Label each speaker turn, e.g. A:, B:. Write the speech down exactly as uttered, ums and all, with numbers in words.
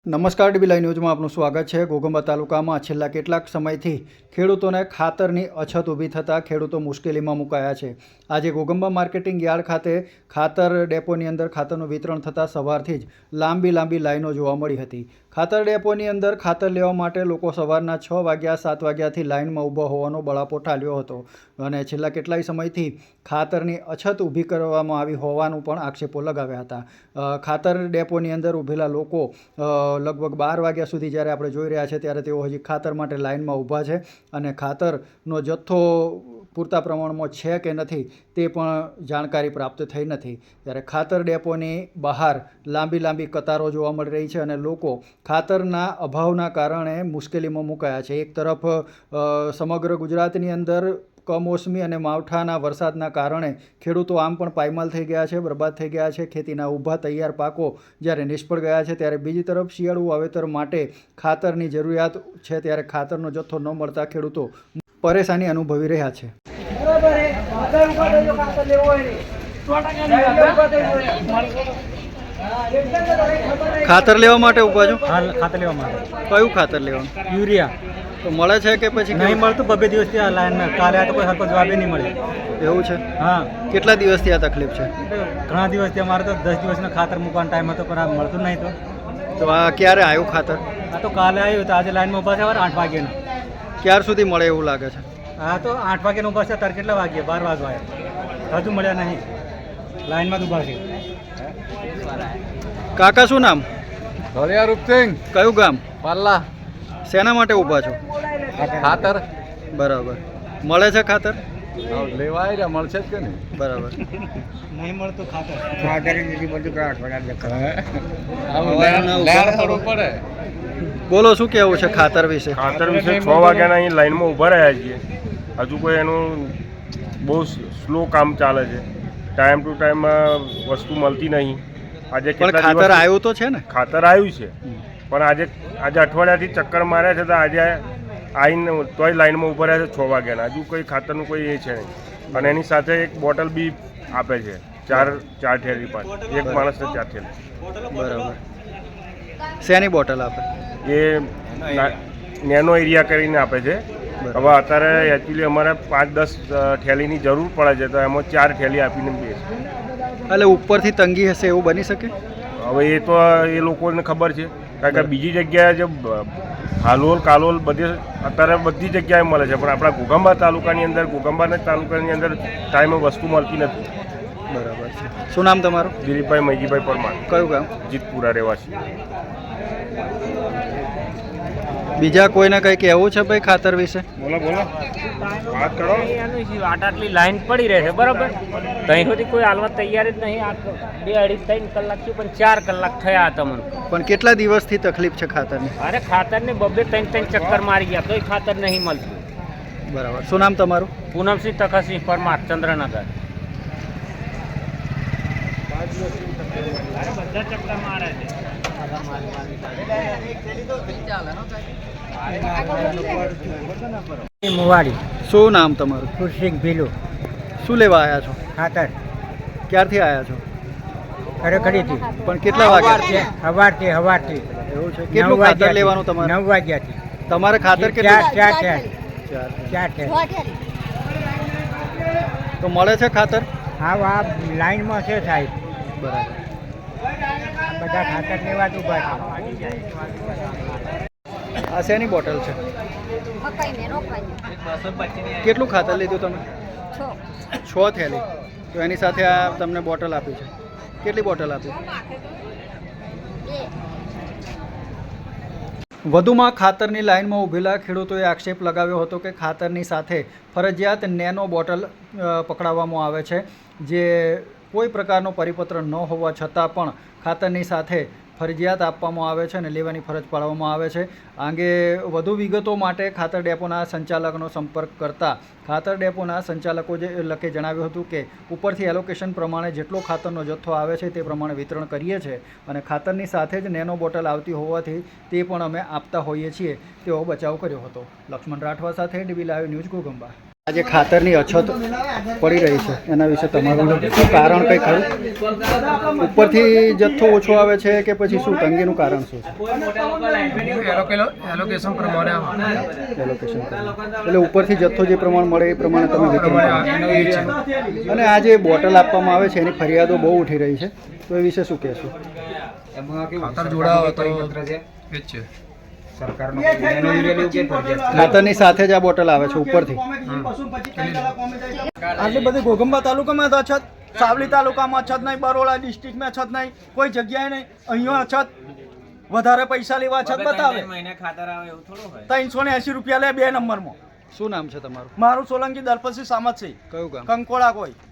A: નમસ્કાર dB live ન્યૂઝમાં આપનું સ્વાગત છે। ઘોઘંબા તાલુકામાં છેલ્લા કેટલાક સમયથી ખેડૂતોને ખાતરની અછત ઊભી થતાં ખેડૂતો મુશ્કેલીમાં મુકાયા છે। આજે ઘોઘંબા માર્કેટિંગ યાર્ડ ખાતે ખાતર ડેપોની અંદર ખાતરનું વિતરણ થતાં સવારથી જ લાંબી લાંબી લાઈનો જોવા મળી હતી। ખાતર ડેપોની અંદર ખાતર લેવા માટે લોકો સવારના છ વાગ્યા સાત વાગ્યાથી લાઈનમાં ઊભા હોવાનો બળાપો ઠાલ્યો હતો અને છેલ્લા કેટલાય સમયથી ખાતરની અછત ઊભી કરવામાં આવી હોવાનું પણ આક્ષેપો લગાવ્યા હતા। ખાતર ડેપોની અંદર ઊભેલા લોકો લગભગ બાર વાગ્યા સુધી જ્યારે આપણે જોઈ રહ્યા છે ત્યારે તેઓ હજી ખાતર માટે લાઇનમાં ઊભા છે અને ખાતરનો જથ્થો પૂરતા પ્રમાણમાં છે કે નથી તે પણ જાણકારી પ્રાપ્ત થઈ નથી। ત્યારે ખાતર ડેપોની બહાર લાંબી લાંબી કતારો જોવા મળી રહી છે અને લોકો ખાતરના અભાવના કારણે મુશ્કેલીમાં મુકાયા છે। એક તરફ સમગ્ર ગુજરાતની અંદર કમોસમી અને માવઠાના વરસાદના કારણે ખેડૂતો આમ પણ પાયમાલ થઈ ગયા છે, બરબાદ થઈ ગયા છે। ખેતીના ઊભા તૈયાર પાકો જ્યારે નિષ્ફળ ગયા છે ત્યારે બીજી તરફ શિયાળુ વાવેતર માટે ખાતરની જરૂરિયાત છે ત્યારે ખાતરનો જથ્થો ન મળતા ખેડૂતો પરેશાની અનુભવી રહ્યા છે। ખાતર લેવા માટે ઊભા છો?
B: ખાતર લેવા માટે।
A: કયું ખાતર લેવાનું?
B: યુરિયા
A: તો મળે છે કે પછી
B: નહીં મળતું? બબે દિવસથી આ લાઈનમાં કાલે આ તો કોઈ સરખો જવાબ નહીં મળે।
A: એવું છે?
B: હા।
A: કેટલા દિવસથી આ તકલીફ છે?
B: ઘણા દિવસથી અમારે તો દસ દિવસનો ખાતર મૂકવાનો ટાઈમ હતો પણ આ મળતું નહીં। તો
A: તો આ ક્યારે આવ્યું ખાતર?
B: આ તો કાલે આવ્યું તો આજે લાઈનમાં ઊભા છે આઠ વાગ્યાના।
A: ક્યાર સુધી મળે એવું લાગે છે?
B: હા તો આઠ વાગ્યાના ઊભા છે તાર કેટલા વાગ્યે? બાર વાગવા આવ્યા, હજુ મળ્યા નહીં, લાઈનમાં જ ઊભા છે।
A: કાકા શું નામ?
C: ધોળિયા રૂપસિંહ।
A: કયું ગામ?
C: પાલ્લા।
A: શેના માટે ઊભા છો?
C: ખાતર
A: બરાબર। મળે છે ખાતર?
C: લેવાય રહ્યા, મળશે જ કે નહીં?
A: બરાબર।
B: નહીં મળતું ખાતર
C: પડે।
A: બોલો, શું કહેવું છે ખાતર વિશે?
D: ખાતર વિશે છ વાગ્યાના અહીં લાઈનમાં ઊભા રહ્યા છીએ, હજુ કોઈ એનું બહુ સ્લો કામ ચાલે છે। ટાઈમ ટુ ટાઈમ વસ્તુ મળતી નહીં। આજે
A: પણ ખાતર આવ્યું તો છે ને?
D: ખાતર આવ્યું છે પણ આજે આજે અઠવાડિયાથી ચક્કર માર્યા છે તો આજે આવીને તોય લાઈનમાં ઊભા રહ્યા છે છ વાગ્યાના, હજુ કોઈ ખાતરનું કોઈ એ છે નહીં। અને એની સાથે એક બોટલ બી આપે છે, ચાર ચાર થેલી પાંચ, એક માણસને ચાર થેલી।
A: બરાબર। શેની બોટલ આપે?
D: એ નેનો એરિયા કરીને આપે છે। હવે અત્યારે એકચ્યુઅલી અમારે પાંચ દસ થેલીની જરૂર પડે છે તો એમાં ચાર થેલી આપીને બે છે।
A: એટલે ઉપરથી તંગી હશે એવું બની શકે?
D: હવે એ તો એ લોકોને ખબર છે, કારણ કે બીજી જગ્યાએ જે હાલોલ કાલોલ બધે અત્યારે બધી જગ્યાએ મળે છે પણ આપણા ઘોઘંબા તાલુકાની અંદર ઘોઘંબાના તાલુકાની અંદર ટાઈમે વસ્તુ મળતી નથી।
A: બરાબર છે। શું નામ તમારું?
D: દિલીપભાઈ મૈજીભાઈ પરમાર।
A: કયું ગામ?
D: જીતપુરા રહેવાસી।
A: બીજા કોઈને કંઈ કહેવું છે ભાઈ ખાતર વિશે?
D: બોલો બોલો, વાત કરો।
E: આટ આટલી લાઈન પડી રહે છે બરાબર, ત્યાં સુધી કોઈ હાલવા તૈયાર જ નહીં। આ બે અઢી ત્રણ કલાક થયું પણ ચાર કલાક થયા તમને।
A: પણ કેટલા દિવસથી તકલીફ છે ખાતરની?
E: અરે ખાતરને બબે ત્રણ ત્રણ ચક્કર મારી ગયા તોય ખાતર નહીં મળતું।
A: બરાબર। શું નામ તમારું?
E: પૂનમસિંહ તખતસિંહ પરમાર, ચંદ્રનગર। બધા ચક્કર મારે છે।
B: મુવાડી।
A: શું નામ તમારું?
B: ખુરશીક ભીલું।
A: શું લેવા આવ્યા છો?
B: ખાતર
A: ક્યારથી આવ્યા છો?
B: ખરેખરીથી
A: પણ કેટલા વાગ્યા?
B: સવારથી સવારથી
A: એવું છે? કેટલું ખાતર લેવાનું તમારે?
B: નવ વાગ્યાથી।
A: તમારે ખાતર
B: ચાર
A: કેટલું?
B: ચાર ચાર
A: ચાર।
B: ચાર છે
A: તો મળે છે ખાતર?
B: હા આ લાઈનમાં છે સાહેબ,
A: બરાબર।
B: બધા ખાતર લેવા જ ઊભા છે।
A: આ શેની બોટલ છે? કેટલું ખાતર લીધું તમે? છ થેલી। તો એની સાથે આ તમને બોટલ આપી છે? કેટલી બોટલ આપી? વધુમાં ખાતરની લાઇનમાં ઊભેલા ખેડૂતોએ આક્ષેપ લગાવ્યો હતો કે ખાતરની સાથે ફરજિયાત નેનો બોટલ પકડાવવામાં આવે છે, જે કોઈ પ્રકારનો પરિપત્ર ન હોવા છતાં પણ ખાતરની સાથે ફરજિયાત આપવામાં આવે છે અને લેવાની ફરજ પાડવામાં આવે છે। આ અંગે વધુ વિગતો માટે ખાતર ડેપોના સંચાલકનો સંપર્ક કરતા ખાતર ડેપોના સંચાલકો જે લખે જણાવ્યું હતું કે ઉપરથી એલોકેશન પ્રમાણે જેટલો ખાતરનો જથ્થો આવે છે તે પ્રમાણે વિતરણ કરીએ છીએ અને ખાતરની સાથે જ નેનો બોટલ આવતી હોવાથી તે પણ અમે આપતા હોઈએ છીએ, તેવો બચાવ કર્યો હતો। લક્ષ્મણ રાઠવા સાથે ડીબી લાઈવ ન્યૂઝ ઘોઘંબા। આજે ખાતરની અછત પડી રહી છે એના વિશે તમારું શું કારણ કંઈ ખરું? ઉપરથી જથ્થો ઓછો આવે છે કે પછી શું તંગીનું કારણ શું છે?
F: એલોકેશન પ્રમાણે
A: એલોકેશન એટલે ઉપરથી જથ્થો જે પ્રમાણ મળે એ પ્રમાણે તમે વિતરણ કરો. અને આ જે બોટલ આપવામાં આવે છે એની ફરિયાદો બહુ ઉઠી રહી છે, તો એ વિશે શું કહેશો?
F: ખાતર જોડાવો તો એ જ છે.
A: ખાતરની સાથે જ આ બોટલ આવે છે ઉપરથી.
G: આટલી બધી ઘોગંબા તાલુકામાં તો અછત, સાવલી તાલુકામાં અછત નહીં, બરોડા ડિસ્ટ્રિક્ટમાં અછત નહીં, કોઈ જગ્યાએ નહીં. અહીંયા અછત, વધારે પૈસા લેવા અછત બતાવે. ત્રણસો ને એસી રૂપિયા લે બે નંબરમાં.
A: શું નામ છે તમારું?
G: મારું સોલંકી દલપતસિંહ સામતસિંહ,
A: કયું ગામ?
G: કંકોડા કોઈ.